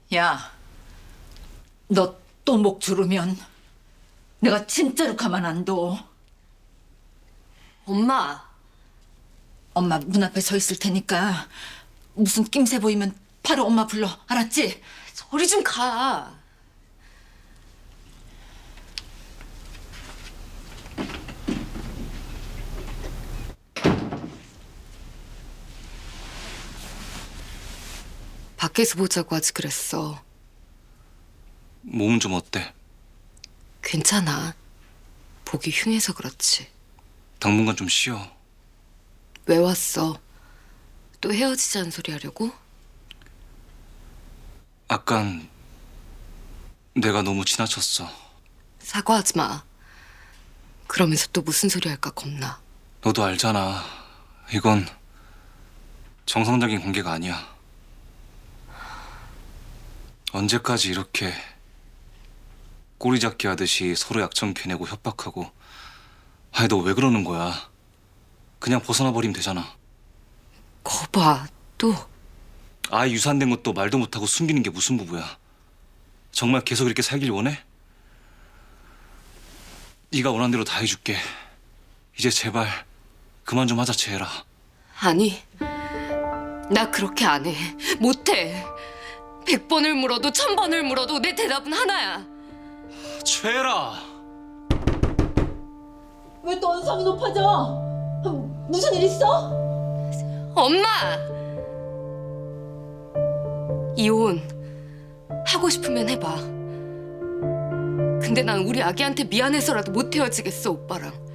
야, 너 또 목 조르면 내가 진짜로 가만 안 둬. 엄마, 엄마 문 앞에 서 있을 테니까 무슨 낌새 보이면 바로 엄마 불러. 알았지? 저리 좀 가. 밖에서 보자고 하지 그랬어. 몸은 좀 어때? 괜찮아. 보기 흉해서 그렇지. 당분간 좀 쉬어. 왜 왔어? 또 헤어지자는 소리 하려고? 아깐 내가 너무 지나쳤어. 사과하지 마. 그러면서 또 무슨 소리 할까 겁나. 너도 알잖아. 이건 정상적인 관계가 아니야. 언제까지 이렇게 꼬리잡기 하듯이 서로 약점 캐내고 협박하고. 아니 너 왜 그러는 거야? 그냥 벗어나 버리면 되잖아. 거봐, 또. 아이 유산된 것도 말도 못하고 숨기는 게 무슨 부부야. 정말 계속 이렇게 살길 원해? 네가 원한 대로 다 해줄게. 이제 제발 그만 좀 하자, 재혜라. 아니, 나 그렇게 안 해. 못해. 100번을 물어도 1000번을 물어도 내 대답은 하나야. 재혜라! 왜 또 언성이 높아져? 무슨 일 있어? 엄마! 이혼 하고 싶으면 해봐. 근데 난 우리 아기한테 미안해서라도 못 헤어지겠어, 오빠랑.